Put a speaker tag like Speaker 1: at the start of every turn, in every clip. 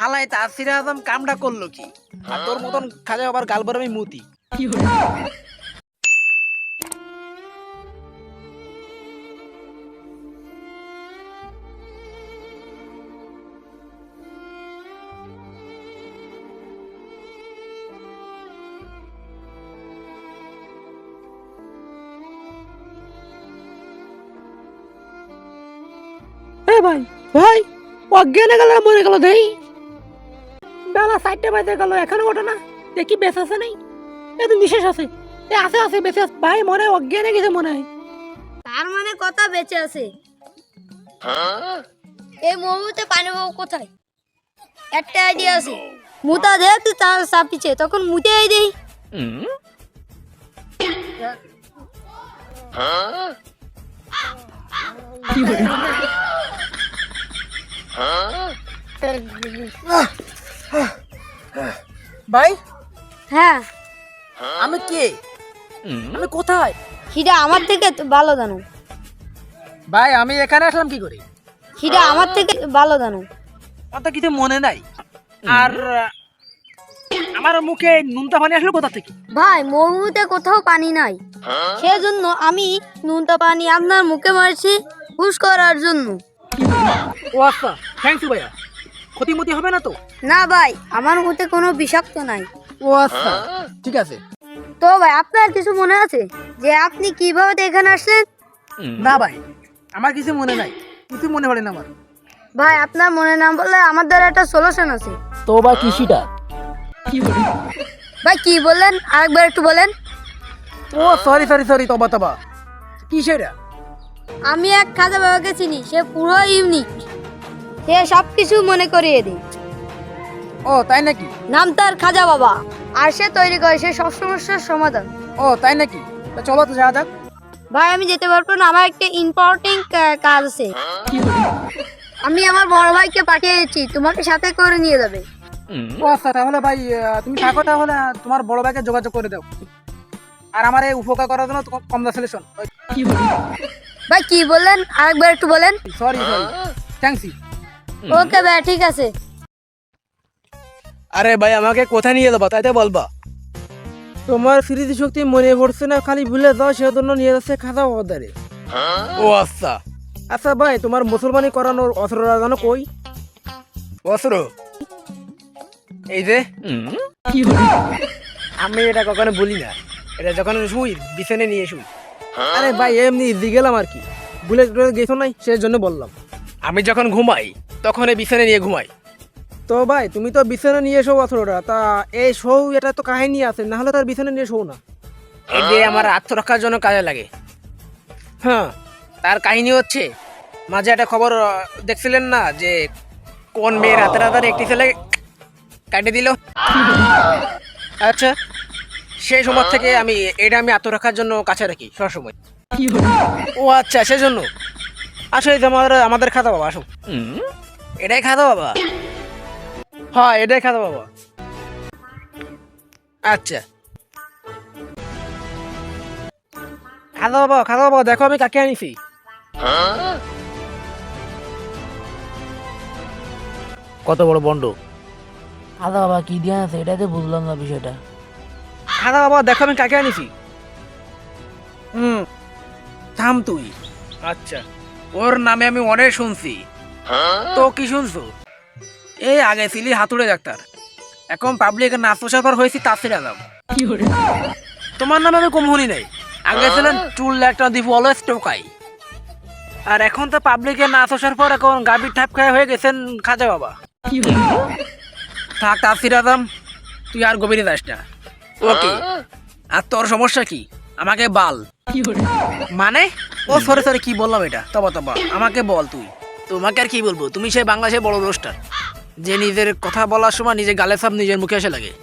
Speaker 1: হালাই তাসির আজম কামটা করলো কি? আর তোর মতন খাজা আবার গাল বরামি মুতি।
Speaker 2: ভাই ভাই অজ্ঞানে গেল মরে গেল দেই বেলা 4টা বাজে গেল এখনো ওঠে না দেখি বেশ আছে নেই এত বিশেষ আছে আছে আছে বেঁচে আছে ভাই মনে হয় অজ্ঞানে গেছে মনে হয়
Speaker 3: তার মানে কথা বেঁচে আছে এই মুহূর্তে পানি পাবো কোথায় একটা আইডিয়া আছে মুতা দে তুই তার চাপিছে তখন মুতে আই দেই
Speaker 1: ভাই
Speaker 3: হ্যাঁ
Speaker 1: আমি কে? আমি কোথায়?
Speaker 3: হিডা আমার থেকে তো ভালো জানো
Speaker 1: ভাই আমি এখানে আসলাম কি করে?
Speaker 3: হিডা আমার থেকে ভালো জানো
Speaker 1: অত কিছু মনে নাই। আর আমার মুখে নুনতা পানি আসলো কোথা থেকে?
Speaker 3: ভাই মরুতে কোথাও পানি নাই সেজন্য আমি নুনটা পানি আপনার মুখে মারছি হুশ করার জন্য
Speaker 1: ও আচ্ছা, থ্যাংক ইউ ভাইয়া। ক্ষতিমতি হবে না তো?
Speaker 3: না ভাই আমার মুখে কোনো বিষাক্ত নাই
Speaker 1: ও আচ্ছা, ঠিক আছে।
Speaker 3: তো ভাই আপনার কিছু মনে আছে যে আপনি কিভাবে এখানে আসলেন
Speaker 1: না ভাই, আমার কিছু মনে নাই, কিছু মনে পড়ে না আমার।
Speaker 3: ভাই আপনার মনে না বললে আমার দ্বারা একটা সলিউশন আছে
Speaker 1: তো বা কৃষিটা
Speaker 3: ভাই কি বললেন আরেকবার একটু বলেন
Speaker 1: ও সরি সরি সরি, তবা তবা কি সেটা?
Speaker 3: আমি এক খাজা বাবাকে চিনি সে পুরো ইউনিক সে সব কিছু মনে করিয়ে দেয়
Speaker 1: ও তাই নাকি?
Speaker 3: নাম তার খাজা বাবা আর সে তৈরি করে সে সব সমস্যার সমাধান
Speaker 1: ও তাই নাকি? তা চলো তো যাওয়া যাক।
Speaker 3: ভাই আমি যেতে পারবো না আমার একটা ইম্পর্টেন্ট কাজ আছে আমি আমার বড় ভাইকে পাঠিয়েছি তোমাকে সাথে করে নিয়ে যাবে
Speaker 1: ও আচ্ছা, তাহলে ভাই তুমি থাকো, তাহলে তোমার বড় ভাইকে যোগাযোগ করে দাও। আর আমার এই উপকার করার জন্য কংগ্রাচুলেশন।
Speaker 3: ভাই কি বললেন আরেকবার একটু বলেন
Speaker 1: sorry sorry, thanks you.
Speaker 3: Okay ভাই ঠিক আছে
Speaker 1: আরে ভাই আমাকে কোথায় নিয়ে যাবো তাই তো বলবা।
Speaker 2: তোমার স্মৃতি শক্তি মনে পড়ছে না খালি ভুলে যাও সেজন্য নিয়ে যাচ্ছে খাজা বাবাদারে
Speaker 1: ও আচ্ছা।
Speaker 2: আচ্ছা ভাই তোমার মুসলমানি করানোর অস্ত্ররা জানো কই
Speaker 1: অস্ত্র এই যে, আমি এটা কখনো বলি না, এটা যখন শুই বিছানে নিয়ে শুই।
Speaker 2: আরে ভাই এমনি গেলাম আর কি ভুলে গেছো নাই সেই জন্য বললাম
Speaker 1: আমি যখন ঘুমাই তখন এই বিছানে নিয়ে ঘুমাই।
Speaker 2: তো ভাই তুমি তো বিছানা নিয়ে এসো অস্ত্রটা তা এই শো এটা তো কাহিনী আছে না হলে তার বিছানা নিয়ে শো না
Speaker 1: এই যে আমার আত্মরক্ষার জন্য কাজে লাগে। হ্যাঁ, তার কাহিনী হচ্ছে মাঝে একটা খবর দেখছিলেন না যে কোন মেয়ের রাতে রাতার একটি ছেলে কাটে দিল। আচ্ছা, সেই সময় থেকে আমি আত্মরক্ষার জন্য কাছে রাখি সবসময়। ও আচ্ছা, সেজন্য আসলে আমাদের খাতা বাবা, আসো। এটাই খাতা বাবা? হ্যাঁ এটাই খাতা বাবা। আচ্ছা খাতা বাবা দেখো আমি কাকে আনিছি। কত বড় বন্ড।
Speaker 2: খাজা বাবা কি দিয়ে আছে এটাই তো বুঝলাম না বিষয়টা
Speaker 1: খাতা বাবা দেখো আমি কাকে আনিছি। থাম তুই। আচ্ছা, ওর নামে আমি অনেক শুনছি। তো কি শুনছো? এই আগে ছিলি হাতুড়ে ডাক্তার, এখন পাবলিকের নাচ প্রচার হয়েছি তাসির আজম। তোমার নামে আমি কম শুনি নাই। আগে ছিলেন চুল একটা দিব অলওয়েজ টোকাই, আর এখন তো পাবলিকের নাচ আসার পর এখন গাভীর ঠাপ খায় হয়ে গেছেন খাজা বাবা। থাক তাসির আজম, তুই আর গভীরে যাস না। ওকে, আর তোর সমস্যা কি আমাকে বল। মানে ও সরি সরি, কি বললাম এটা? তবা তবা আমাকে বল তুই। তোমাকে আর কি বলবো, তুমি সেই বাংলাদেশের বড় রোস্টার যে নিজের কথা বলার সময় নিজের গালে সাপ নিজের মুখে এসে লাগে।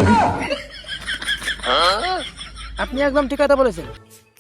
Speaker 2: আপনি একদম ঠিক কথা বলেছেন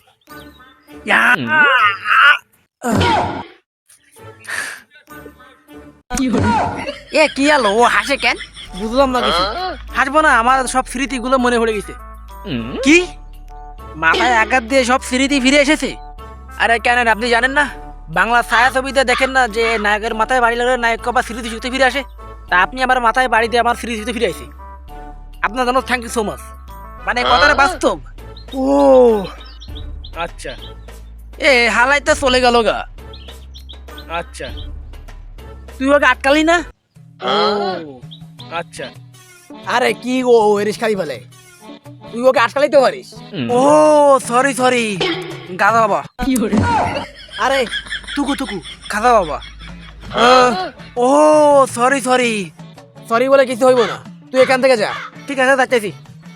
Speaker 1: এ কি আলো, ও হাসে কেন? বুঝলাম না কিছু। হাসবো না, আমার সব স্মৃতিগুলো মনে পড়ে গেছে। কি মাথায় আঘাত দিয়ে সব স্মৃতি ফিরে এসেছে? আরে কেন আপনি জানেন না বাংলা ছায়া ছবিতে দেখেন না যে নায়কের মাথায় বাড়ি লাগলে নায়ক বা স্মৃতি শক্তি ফিরে আসে? তা আপনি আমার মাথায় বাড়ি দিয়ে আমার সিরিজ দিতে ফিরে আইছি। আপনার জন্য থ্যাংক ইউ সো মাচ। মানে কথাটা বাস্তব। ও আচ্ছা, এ হালাই তো চলে গেল গা। আচ্ছা, তুই ওকে আটকালি না? ও আচ্ছা, আরে কি গো এরিস খালি বলে, তুই ওকে আটকালিতে পারিস। ও সরি সরি গাদা বাবা। আরে তুকু তুকু গাদা বাবা। ও সরি সরি, সরি বলে কিছু হইব না, তুই এখান থেকে যা। ঠিক আছে যাচ্ছি।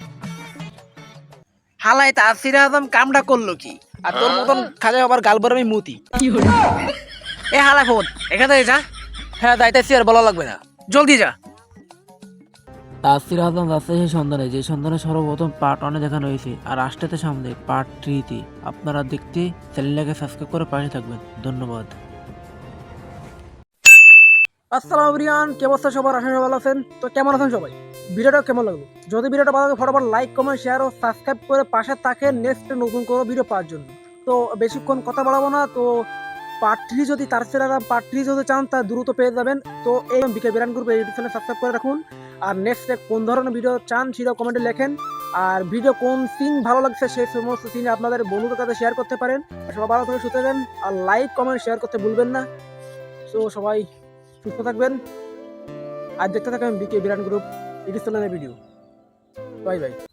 Speaker 1: হালাই তাসির আজম কামটা করলো কি, আর তোর মতন খাজা আবার গাল আমি মুতি। এ হালাই ফোন এখান থেকে যা। হ্যাঁ যাইতেছি, আর বলা লাগবে না, জলদি যা।
Speaker 4: তাসির আজম রাজশাহী সন্ধানে, যে সন্ধানে সর্বপ্রথম পার্ট 1 দেখানো হয়েছে আর আসতেতে সামনে পার্ট 3 আপনারা দেখতে চ্যানেলটাকে সাবস্ক্রাইব করে পাশে থাকবেন। ধন্যবাদ।
Speaker 1: আসসালামু রিয়ান, কি অবস্থা সবার? আশা করি ভালো আছেন। তো কেমন আছেন সবাই? ভিডিওটা কেমন লাগলো? যদি ভিডিওটা ভালো লাগে ফটাফট লাইক কমেন্ট শেয়ার ও সাবস্ক্রাইব করে পাশে থাকেন নেক্সট নতুন কোনো ভিডিও পাওয়ার জন্য। তো বেশিক্ষণ কথা বাড়াবো না, তো পার্ট 3 যদি তারসির আজম পার্ট 3 যদি চান তা দ্রুত পেয়ে যাবেন। তো এই বিকে বিরান গ্রুপে ইউটিউব চ্যানেল সাবস্ক্রাইব করে রাখুন। আর নেক্সট কোন ধরনের ভিডিও চান সেটা কমেন্টে লেখেন। আর ভিডিও কোন সিন ভালো লাগছে সেই সমস্ত সিন আপনাদের বন্ধুদের কাছে শেয়ার করতে পারেন। সবাই ভালো থেকে সুস্থ থাকবেন, আর লাইক কমেন্ট শেয়ার করতে ভুলবেন না। তো সবাই সুস্থ থাকবেন আর দেখতে থাকবেন বিকে বিরান গ্রুপ ইউটিউব চ্যানেলের ভিডিও। Bye by.